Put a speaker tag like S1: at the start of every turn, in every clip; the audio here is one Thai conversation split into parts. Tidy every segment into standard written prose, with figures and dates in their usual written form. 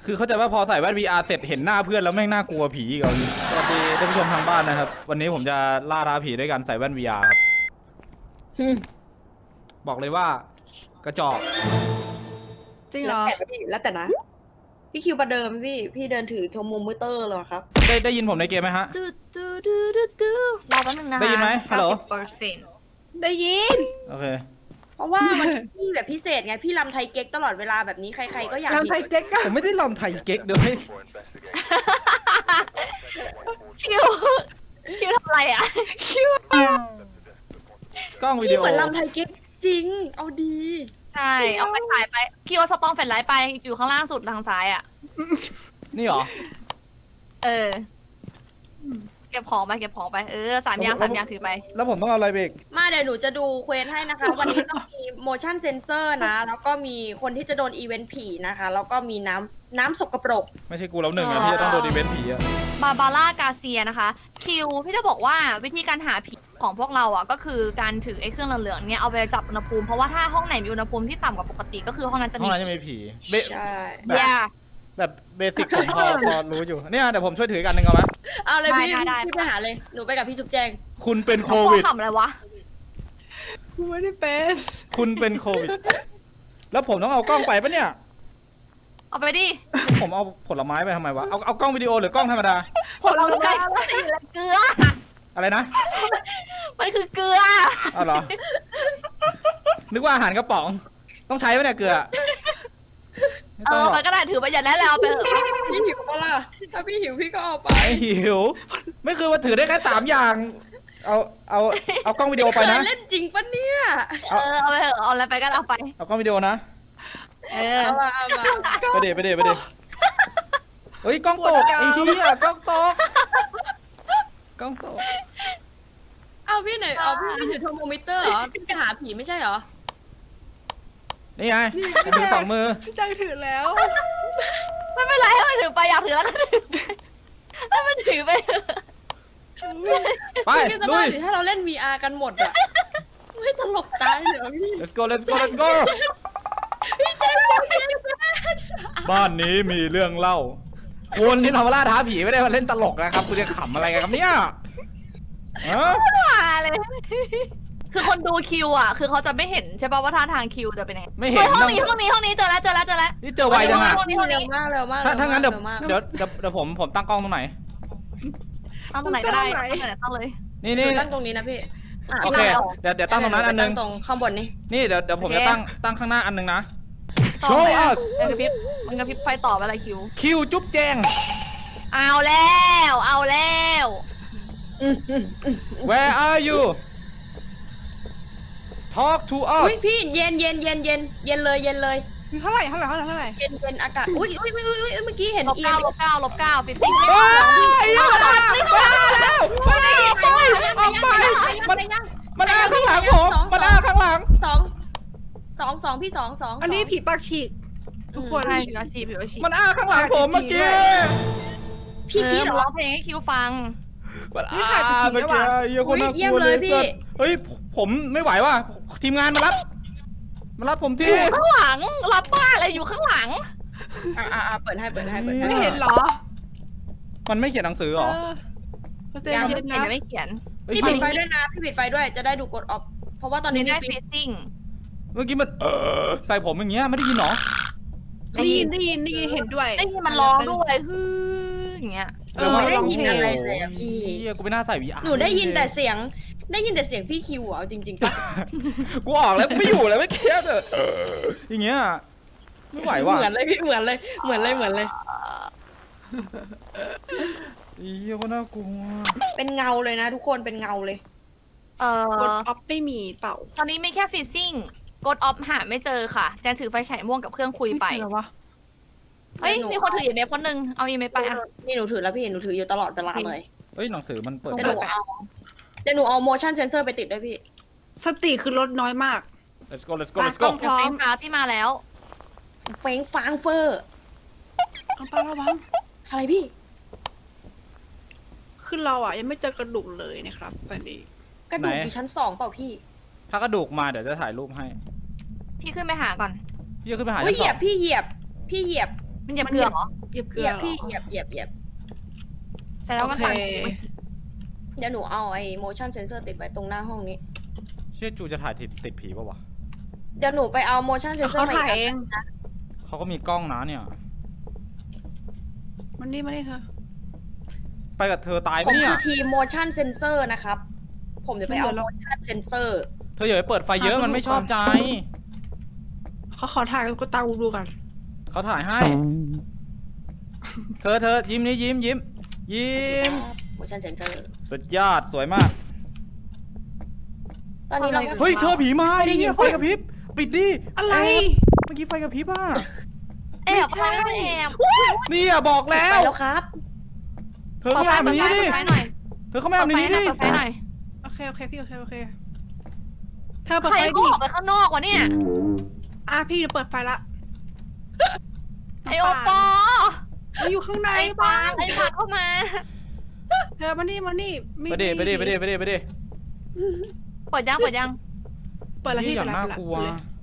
S1: คือเข้าใจว่าพอใส่แว่น VR เสร็จเห็นหน้าเพื่อนแล้วแม่งน่ากลัวผีอีกแล้วสวัสดีท่านผู้ชมทางบ้านนะครับวันนี้ผมจะล่าท้าผีด้วยการใส่แว่น VR ครับบอกเลยว่ากระจอก
S2: จริงเหรอ
S3: แล้วแต่นะพี่คิวประเดิมพี่เดินถือโทรโมมิเตอร์เลยครับ
S1: ได้ยินผมในเกมไหมฮะ
S4: รอแป๊บนึงนะคะ
S1: ได้ยินไหมฮัลโหล
S4: 90%
S2: ได้ยิน
S1: โอเค
S3: เพราะว่ามันพี่แบบพิเศษไงพี่ลำไทยเก๊กตลอดเวลาแบบนี้ใครๆก็อยาก
S2: ยังไทยเก๊กอะ
S1: ผมไม่ได้ลำไทยเก๊กเดี๋ยวให้
S4: คิวทำอะไรอ่ะ
S1: กล้องวิ
S3: พี่
S1: ดีโอ
S3: เหมือนลำไทยเก๊กจริงเอาดี
S4: ใช่เอาไปถ่ายไปคิวเอาสตองแฟลชไลท์ไปอยู่ข้างล่างสุดทางซ้ายอ่ะ
S1: นี่เหรอ
S4: เออเก็บของไป3 อย่างถือไป
S1: แล้วผมต้องเอาอะไรเบรก
S3: มาเดี๋ยวหนูจะดูเควสให้นะคะ วันนี้ต้องมี motion sensor นะแล้วก็มีคนที่จะโดนอีเวนต์ผีนะคะแล้วก็มีน้ำสกปรก
S1: ไม่ใช่กูแล้วหนึ่งอะที่จะต้องโดนอีเวนต์ผีอะ
S4: บาบาร่ากาเซียนะคะคิวพี่จะบอกว่าวิธีการหาผีของพวกเราอ่ะก็คือการถือไอ้เครื่องเหลืองๆเนี่ยเอาไปจับอุณหภูมิเพราะว่าถ้าห้องไหนมีอุณหภูมิที่ต่ำกว่าปกติก็คือห้องนั้นจะ
S1: ห้อ
S4: มี
S1: งนั้นจะมีผีเบ
S3: ใช่
S4: อย่า
S1: แบบเบสิกผมพอรู้อยู่เนี่ยเดี๋ยวผมช่วยถืออกอันหนึ่งเอาไหม
S3: เอาเลยพี่
S4: ได้
S3: พี่ไปหาเลยหนูไปกับพี่จุ๊บแจง
S1: คุณเป็นโค
S4: เขา
S1: วิด
S4: ขำอะไรวะ
S2: กูไม่ได้เป็น
S1: คุณเป็นโควิด แล้วผมต้องเอากล้องไปปะเนี่ย
S4: เอาไปดิ
S1: ผมเอาผลไม้ไปทำไมวะเอากล้องวิดีโอหรือกล้องธรรมดา
S4: ผลไม้ไม่อยู่แล้วเกลือ
S1: อะไรนะ
S4: มันคือเกลือ
S1: เอาเหรอ นึกว่าอาหารกระป๋อง ต้องใช้ไหมเนี่ยเกลือไม่ต้องหรอก
S4: มันก็ได้ถือไปอย่างนั้นแล้วเอาไปเถอะ
S3: พี่หิวปะล่ะถ้าพี่หิวพี่ก็เอาไป
S1: ไม่หิว ไม่คือว่าถือได้แค่3 อย่าง เอากล้องวิดีโอไปนะ
S3: เคยเล่นจริงปะเนี่ย
S4: เอาไปเถอะเอาอะไรไปก็เอาไป
S1: เอากล้องวิดีโอนะ
S3: เอามา
S1: ไปเดี๋ยวเฮ้ยกล้องตกไอ้เหี้ยกล้องตกกล้องตก
S3: เอาพี่หน่อยเอาพี่ถือโทรโมมิเตอร์เหรอพี่จะหาผีไม่ใช่เหรอ
S1: นี่ไงถือ2 มือ
S2: พี่จังถือแล้ว
S4: ไม่เป็นไรให้มันถือไปอยากถือแล้วก็ถือไปให้มันถือไปเถอะ
S1: ไป
S3: พี่จะ
S1: ลุ
S3: ว่าย ถ้าเราเล่น VR กันหมดอะไม่ตลกตายเหรอพี่
S1: let's go บ้านนี้มีเรื่องเล่าคนที่ทำล่าท้าผีไม่ได้มาเล่นตลกนะครับคุณจะขำอะไรกันครับเนี่ยฮะ
S4: มาเลย คือคนดูคิวอ่ะ คือเขาจะไม่เห็นใช่ป่ะว่าท่าทางคิวจะเป็นยังไง
S1: ไม่เห็น
S4: ห้อง
S1: ต้อง
S4: นี้เจอแล้ว
S1: นี่เจอไวจังอะ
S4: ห้องนี้
S3: เร็วมากเร็วมาก
S1: ถ้างั้นเดี๋ยว
S3: ร็มาก
S1: เดี๋ยวผมตั้งกล้องตรงไหน
S4: ตั้งตรงไหนก็ได้ตั้งเลย
S1: นี่
S3: ตั้งตรงนี้นะพี่
S1: โอเคเดี๋ยวตั้งตรงนั้นอันนึง
S3: ตรงข้างบนนี่
S1: นี่เดี๋ยวผมจะตั้งข้างหน้าอันนึงนะ
S4: ต่อ
S1: Show
S4: ไปอ่ะ
S1: us
S4: มันกระพริบไฟต่อไปอะไรคิว
S1: คิวจุ๊บแจง
S4: เอาแล้ว
S1: Where are you Talk to
S3: อุ้ย
S1: us
S3: พี่เย็นเลยเย็น
S2: มีเท่าไหร่
S3: เย็นอากาศอุ้ยเมื่อกี้เห็น
S4: ลบ
S3: อี
S4: 9ฟิตติ้ง
S1: เฮ้ยมาแล้วออกไปมันอ้าข้างหลังผมมันอ้าข้างหลัง
S3: สองพี่สอง
S2: อันนี้ผีปากฉีก ทุกคน
S4: ใช่ผิวอาชีพ
S1: มันอ้าข้างหลังผมเมื่อกี้
S3: พี่พีทเหร
S4: ร้
S3: อ
S4: องเพลงให้คิวฟัง
S1: มันอ้าเมื่อกี้เยี่ยคนน่ากลัวเลยเฮ้ยผมไม่ไหวว่ะทีมงานมารับผมที่
S4: อยู่ข้างหลังรับบ้าอะไรอยู่ข้างหลัง
S3: เปิดให้
S2: ไม่เห็นเหรอ
S1: มันไม่เขียนหนังสือหรอ
S2: เย็น
S4: ไม่เขียน
S2: นะ
S4: ไม่เขียน
S3: พี่ปิดไฟด้วยนะพี่ปิดไฟด้วยจะได้ดูกดออฟเพราะว่าตอนนี้
S4: ได้
S3: ฟิ
S4: ฟิตติ้ง
S1: เมื่อกี้มันใส่ผมอย่างเงี้ยไม่ได้ยินหรอ
S2: ได้ยินเห็นด้วย
S4: ได้ยินมันร้องด้วยฮืออย่างเงี้ย
S3: ไม่ได้ยินอะไรเลยอะพี่
S1: เฮียกูไม่น่าใส่ VR
S3: หนูได้ยินแต่เสียงพี่คิวเอาจริงๆปะ
S1: กูออกแล้วกูไม่อยู่แล้วไม่เครียดอย่างเงี้ยไม่ไหวว่ะ
S3: เหมือนเลยพี่เหมือนเลย
S1: เฮียก็น่ากลัว
S3: เป็นเงาเลยนะทุกคนเป็นเงาเลย
S2: กดออฟไม่มีเปล่า
S4: ตอนนี้มีแค่ฟิตติ้งกดออฟหาไม่เจอค่ะแจนถือไฟฉายม่วงกับเครื่องคุยไป
S2: ไม่เจอวะ
S4: เฮ้ยมีคนถืออีเมลคนนึงเอาอีเมลไปอ่ะ
S3: นี่หนูถือแล้วพี่หนูถืออยู่ตลอดเวลาเลย
S1: เฮ้ยหนังสือมันเปิด
S3: เดี๋ยวหนูเอา motion sensor ไปติดด้วยพี่
S2: สติคือลดน้อยมาก
S1: let's go
S2: พร้อม
S4: เดี๋ยวเฟนพาพี่มาแล้ว
S3: เฟ้งฟางเฟอร์
S2: เอาไประวัง
S3: อะไรพี่
S2: คือเราอ่ะยังไม่เจอกระดูกเลยนะครับตอนนี้
S3: กระดูกอยู่ชั้น 2เปล่าพี่
S1: ถ้ากระดูกมาเดี๋ยวจะถ่ายรูปให้
S4: พี่ขึ้นไปหาก่อน
S1: พี่ขึ้นไปหา
S3: อุ้ย
S1: ชั้น
S3: เห
S1: ส
S3: ยี
S1: อย ง
S3: บพี่เหยียบ
S4: มันเหยียบเกลือเหรอ
S2: เหยียบเก
S3: เห
S2: ลื
S3: ยี
S2: อย
S3: บพี่เหยียบ
S4: แสดงว่ามัน
S2: โอเค
S4: ตัน
S3: เดี๋ยวหนูเอาไอ้ motion sensor ติดไว้ตรงหน้าห้องนี้
S1: เชี่ยจูจะถ่ายติดผีป่าวะ
S3: เดี๋ยวหนูไปเอา motion sensor
S2: เขา
S3: มา
S2: ถ่าย
S3: อีก
S2: เอง
S1: เขาก็มีกล้องนะเนี่ย
S2: มันนี่เธอ
S1: ไปกับเธอตาย
S3: ผม
S1: เนี่ย
S3: คือทีม motion sensor นะครับ ผมจะไปเอา
S2: เดี๋ยวเรา
S3: motion sensor
S1: เธออย่าไปเปิดไฟเยอะมันไม่ชอบใจ
S2: เขาขอถ่ายก็ตาดูกัน
S1: เขาถ่ายให้ เธอยิ้มนี่ยิ้ม
S3: motion sensor
S1: สุดยอดสวยมาก
S3: ตอนนี้เรา
S1: เฮ้ยเธอผีมา
S3: ไม่ได้ยิน
S1: ไฟกระพริบปิดดิ
S2: อะไร
S1: เมื่อกี้ไฟกระพริบอ่ะ
S4: แอบอะไรไม่ต้องแอบ
S1: นี่อ่ะบอกแล้
S3: ไป
S1: ว
S3: แล้วครับ
S1: เธอเข้ามาแบบนี้ดิ
S4: เปิดไฟหน่อย
S1: เธอเข้ามาแบบนี้ดิ
S4: เปิดไฟหน่อย
S2: โอเคพี่โอเคเธอเปิด
S4: ใคร
S2: ไฟ
S4: ก็
S2: ดิ
S4: ออกไปข้างนอกวะเนี่ย
S2: พี่เดี๋ยวเปิดไฟละ
S4: ไอโอปอ
S2: เราอยู่ข้างใน
S4: ไอปา
S2: บ้าง
S4: ไอปาเข้ามา
S2: เธอมานี่
S1: ไปดิ
S2: เปิดละ
S4: เปิดยัง
S2: พี่
S1: อย่าง
S2: เปิด
S1: น่า
S2: ละ
S1: กลัว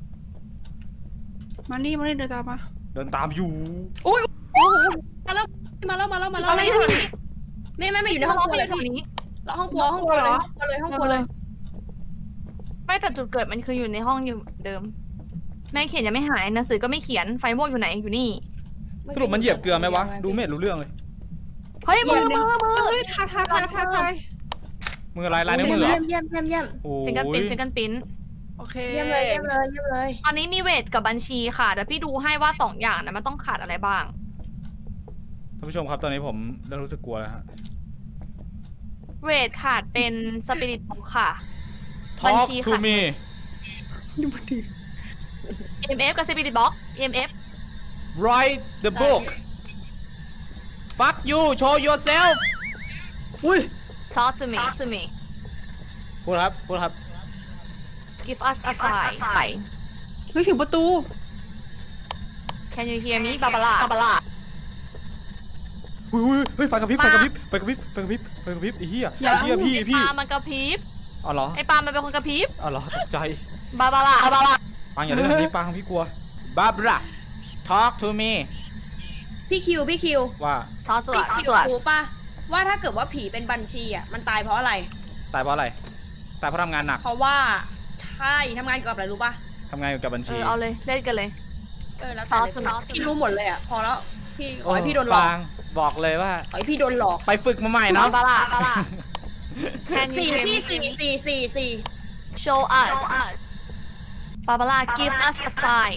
S2: มานี่เดินตามมา
S1: เดินตามอยู่
S3: โอ้โหมาแล้ว
S4: ตอนนี้อยู่นี้
S3: ไม่อยู่ในห้องครัวเลย
S4: ตรง
S3: พี่
S4: นี้
S3: แล้วห้องครัวเลยห้องครัวเลย
S4: ไม่แต่จุดเกิดมันคืออยู่ในห้องอยู่เดิม แม่เขียนยังไม่หายหนังสือก็ไม่เขียนไฟม่วงอยู่ไหนอยู่นี่
S1: สรุปมันเหยียบเกลือไหมวะ ดูไม่เห็นรู้เรื่องเลย
S4: เฮ้ยมือ
S2: เฮ้ยทา
S1: มืออะไรลายนิ้วมือเหรอ
S3: เยี่ยม
S1: โอ้
S4: ฟิงเกิลปิ้น
S1: ย
S4: ฟิงเกิลปิ้น
S2: โอเค
S3: เยี่ยมเลย
S4: ตอนนี้มีเวทกับบัญชีค่ะเดี๋ยวพี่ดูให้ว่าสองอย่างนะมันต้องขาดอะไรบ้าง
S1: ท่านผู้ชมครับตอนนี้ผมเริ่มรู้สึกกลัวแล้วฮะ
S4: เวทขาดเป็นสปิริตค่ะ บัญ
S1: Talk
S4: ชี
S1: to
S4: ค่ะ
S1: me
S2: ดูมันดี
S4: EMF กับ Spirit Box EMF
S1: write the book fuck you show yourself
S2: อุ้ย
S4: Talk to me
S1: พูดครับ
S4: Give us a sign
S2: เฮ้ยถึงประตู
S4: Can you hear me บาบาร่า
S1: เฮ้ยไฟกระพริบไฟกระพริบไอ้เหี้ย
S2: อย่า
S1: ไอ้เหี้ยพี่
S4: ไอปามันกระพริบ
S1: อ๋อเหรอ
S4: ไอปามันเป็นคนกระพริบ
S1: อ๋อเหรอตกใจ
S4: บาบาร่า
S1: ปังอย่าเล่นแบบนี้ปังพี่กลัว Barbara talk to me
S3: พี่คิว
S1: ว่า
S4: Talk to
S3: พี่
S4: us
S3: คิว
S4: to us
S3: รู้ป่ะว่าถ้าเกิดว่าผีเป็นบัญชีอ่ะมันตายเพราะอะไร
S1: ตายเพราะอะไรตายเพราะทำงานหนัก
S3: เพราะว่าใช่ทำงานเกี่ยวกับอะไรรู้ป่ะ
S1: ทำงานอยู่กับบัญชี
S4: เอาเลยเล่นกันเลย
S3: แล้วแต่เลย
S4: Talk to
S3: พี่รู้หมดเลยอ่ะพอแล้วพี่ขอให้พี่โดนหลอก
S1: ปังบอกเลยว่า
S3: ขอให้พี่โดนหลอก
S1: ไปฝึกมาใหม่
S4: บา
S1: เนาะ
S4: บาร่า Can you
S3: สี่
S4: hear
S3: พี่
S4: me
S3: สี่
S4: Show us บาบาร่า Give us a sign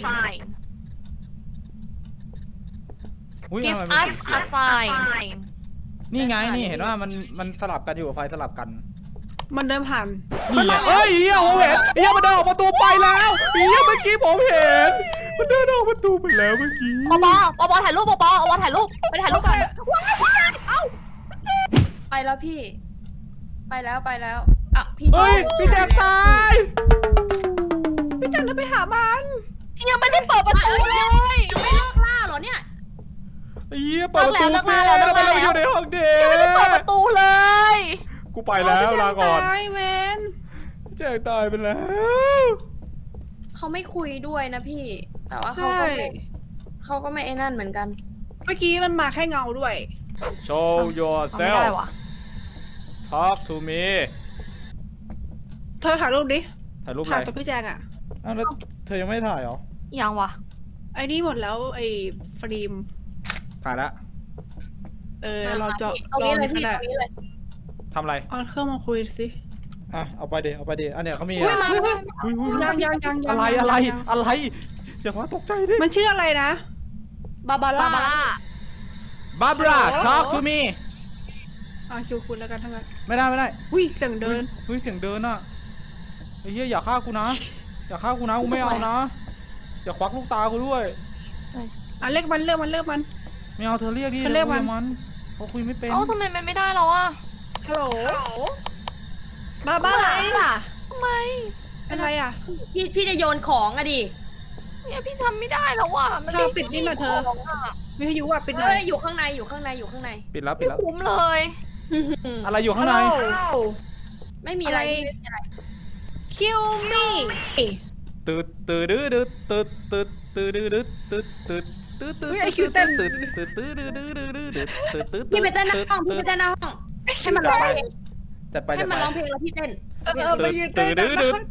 S1: อุ๊ย
S4: Give
S1: ทำไมมัน
S4: us
S1: สีเขียว
S4: a sign
S1: นี่ไงนี่เห็นว่ามันสลับกันอยู่ไฟสลับกัน
S2: มันเดินผ่าน
S1: นี่ไงเอ้ยเฮียผมเห็นเฮียมันเดินออกประตูไปแล้วเฮียเมื่อกี้ผมเห็นมันเดินออกประตูไปแล้วเมื่อกี้
S4: ปอถ่ายรูปปอถ่ายรูปไปถ่ายรูปกัน
S3: ไปแล้วพี่ ไปแล้วอ่ะพี่
S1: เฮ้ยพี่แจกตาย
S2: พี่จันจะไปหามัน
S4: พี่ยังไม่ได้เปิดประตูเลย
S3: ยังไม่เลิกล่าเหรอเนี่ย
S1: เฮียเปิดประตู
S4: เลิก
S1: ซิ
S4: แล้ว
S1: แล้วมันเราอยู่ในห้องเด็
S4: ยังไม่ได้เปิดประตูเลย
S1: กูไปแล้วลาก่อน
S2: ตายแมน
S1: พี่แจกตายไปแล้ว
S3: เขาไม่คุยด้วยนะพี่ แต่ว่า
S2: ใช่
S3: เขาก็ไม่ไอ้นั่นเหมือนกัน
S2: เมื่อกี้มันมาแค่เงาด้วย
S1: Show
S4: ไม่
S1: yourself
S4: ได้วะ
S1: talk to me
S2: เธอถ่ายรูปดิ
S1: ถ่ายรูปอะ
S2: ถ่าย
S1: ไร
S2: ตัวพี่แจงอ่ะ
S1: อ้าวแล้วเธอยังไม่ถ่ายเหรอ
S4: ยังวะ
S2: ไอ้นี่หมดแล้วไอ้ฟิล์ม
S1: ถ่ายแล้ว
S2: เราจะ
S3: ตรงนี้เลยพี่
S2: ก็
S3: ต
S2: ได้
S3: รงนี้เลย
S1: ทำอะไร
S2: เอาเครื่องมาคุยสิ
S1: อ่ะเอาไปเดี๋ยวอันเนี้ยเขามี
S3: อุ้ยมา
S2: เฮ้ย
S1: อุ๊ย
S2: ยัง
S1: อะไรอย่าพาตกใจดิ
S2: มันชื่ออะไรนะ
S3: บาบา
S4: บา
S3: ร่า
S4: บาร่า
S1: Barbara
S2: โอ้
S1: talk to me
S2: คิวคุณแล้วกันทั้งนั้น
S1: ไม่ได้
S2: อุ้ยเสียงเดิน
S1: เฮ้ยเสียงเดินอ่ะไอ้เหี้ยอย่าฆ่ากูนะกูไม่เอานะอย่าควักลูกตากูด้วย
S2: เรียกมัน
S1: ไม่เอาเธอเรียกดิ
S2: เธอเรียกมัน
S1: มันเขาคุยไม่เป็น
S4: เอ้าทำไมมันไม่ได้แล้วอะ
S2: ฮัลโหลบ้าล่ะ
S4: ทำไม
S2: เป็นไรอ่ะ
S3: พี่จะโยนของอะดิ
S4: เนี่ยพี่ทำไม่ได้แล้วอะมัน
S2: เธอปิดนี่หน่อยเธอ
S4: ของอะ
S2: วิทยุอ่ะปิดหน่
S3: เอ้
S2: อย
S3: ยอยู่ข้างใน
S1: ปิดแล้ว
S4: ไม่คุ้มเลย
S1: อะไรอยู่ข้างใน
S3: ไม่มีอะไร
S2: อะไร
S3: พี่ไม่มีอะไร
S2: คิวมี่
S1: ตืดดื้อตืดตืดตืดดื้อตืดตืด
S3: พี่ไปเต้นหน้าห้องพี่ไปเต้นหน้าห้องให้มันร้องเพลง
S1: จัดไป
S3: ให้มันร้องเพลงแล้วพี่เต้น
S2: ไปยืนเต้นนะ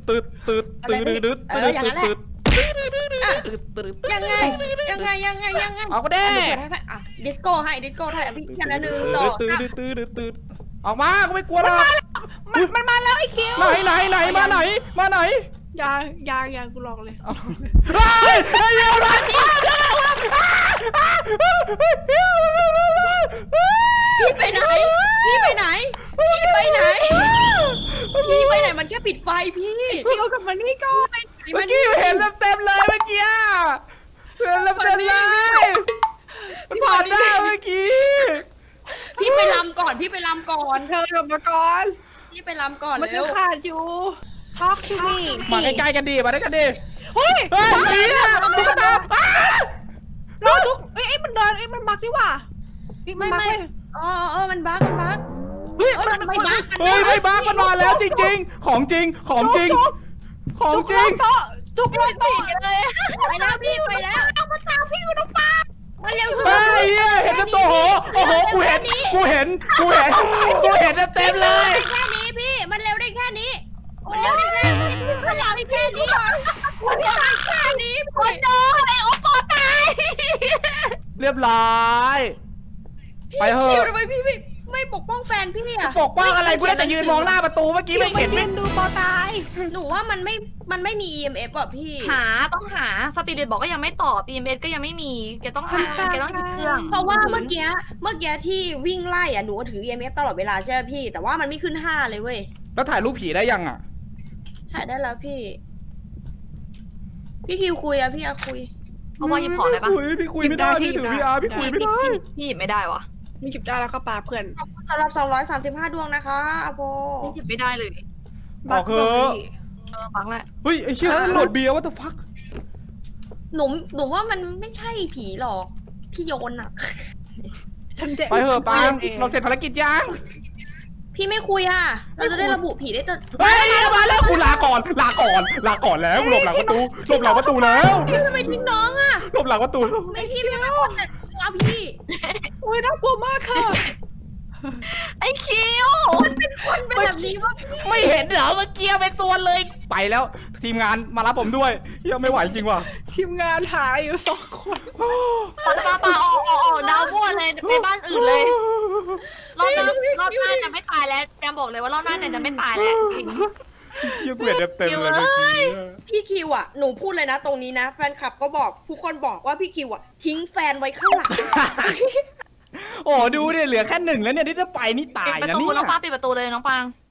S3: ยังไง
S1: เอาก็ได้
S3: ดิสโก้ให้พี่แค่ละ1 2
S1: ออกมาก็ไม่กลัวหรอก
S2: มันมาแล้วไอ้คิว
S1: ไหนมาไหน
S2: ยางกูลองเลย
S1: เฮ้ยเดี๋ยวนะ
S3: พี่ไปไหนมันแค่ปิดไฟพี่
S2: คิวกับมันนี่ก่อน
S1: เมื่อกี้เห็นเต็มเลยเมื่อกี้เห็นเต็มเลยมันผ่านได้เมื่อกี้
S3: พี่ไปลำก่อน
S2: เธอกลับมาก่อน
S3: พี่ไปลำก่อน
S2: มัน
S3: เร็
S2: จะ
S3: ว
S2: ขาดอยู่ Talk to me
S1: มาใกล้ๆกันดิมาด้วยกันดิ
S2: เฮ้ย
S1: เฮ้ยตุ๊กตา
S2: รอทุกมันเดินมันบักดีว่ะมันบักเลย
S3: มันบั๊ก
S2: เฮ้ย
S3: มันไม่บั๊ก
S1: เฮ้ยไม่บ้ามันมาแล้วจริงๆของจริง
S2: ทุกโต๊ะ
S4: เลย
S3: ไปแล้วพี่ไปแล้วมาตามพี่อยู่ตรงฟ้ามาเร็วสุด
S1: เฮ้ยเห็นตัวโอ้โหกูเห็นเต็มเลย
S3: แค่นี้พี่มันเร็วได้แค่นี้คนเดินไอ้โอปอตาย
S1: เรียบร้อยไปเถ
S3: คิว
S1: อะ
S3: ทำไมพี่ไม่ปกป้องแฟนพี่อะ
S1: ปกป้องอะไรกูได้แต่ยืนมองหน้าประตูเมื่อกี้ไม่เห็น
S2: เล่นดูปอตาย
S3: หนูว่ามันไม่มี EMF อ่ะพี่
S4: ต้องหาสปิริตบอกก็ยังไม่ตอบ EMS ก็ยังไม่มีแกต้องหาแกต้องหยิบเครื่อง
S3: เพราะว่าเมื่อกี้ที่วิ่งไล่อะหนูถือ EMF ตลอดเวลาใช่ไหมพี่แต่ว่ามันไม่ขึ้น5เลยเว้ย
S1: แล้วถ่ายรูปผีได้ยังอ่ะ
S3: ถ่ายได้แล้วพี่คิวคุยอะพี่อะคุย
S4: เพราะว่าหยิบของได้ปะ
S1: พี่คุยไม่ได้พี่ถือ VR พี่คุยไม่ได้
S4: พี่หยิบไม่ได้วะ
S2: มีจิบได้แล้วก็ปาเพื่อน
S3: สำหรับ235ดวงนะคะอาโป
S4: พี่หยิบไม่ได้เลย
S1: ออกเถอะ
S4: ฟังแหละ
S1: เฮ้ยไอ้เชี่ยโหลดเบียร์ว่าแต่ฟัก
S3: หนูว่ามันไม่ใช่ผีหรอกที่โยนอะ
S1: ไปเถอะปังเราเสร็จภารกิจยัง
S3: พี่ไม่คุยอะเราจะได้ระบุผีได้ตัว
S1: เฮ้ยมาแล้วกูลาก่อนแล้วหลบหลังประตูแล้ว
S3: พี่ทำไมทิ้งน้องอะ
S1: หลบหลังประตู
S3: ไม่พี่ไม่คนแต่ตัวพี่
S2: โอ้ยน่ากลัวมากค่ะ
S4: ไอ้คิว
S3: เป็นแบบนี้ว่าพี่
S1: ไม่เห็นเหรอเมื่อกี้เป็นตัวเลยไปแล้วทีมงานมารับผมด้วยยังไม่ไหวจริงว่ะ
S2: ทีมงานหาอยู่2 คน
S4: ปาออกดาวมั่วเลยไปบ้านอื่นเลยรอบหน้าจะไม่ตายแล้วแจมบอกเลยว่ารอบหน้าจะไม่ตายแล้วจริง
S1: ยังเกลียดเต็มเลยเมื่อกี้
S3: พี่คิวอะหนูพูดเลยนะตรงนี้นะแฟนคลับก็บอกทุกคนบอกว่าพี่คิวอะทิ้งแฟนไว้ข้างหลัง
S1: โอ้ดูดิเหลือแค่1แล้วเนี่ยที่จะไปนี่ตาย
S4: ปิดประ
S1: นะ
S4: ตู
S1: เนี่ย
S4: น้องปางปิดประตูเลยน้องปาง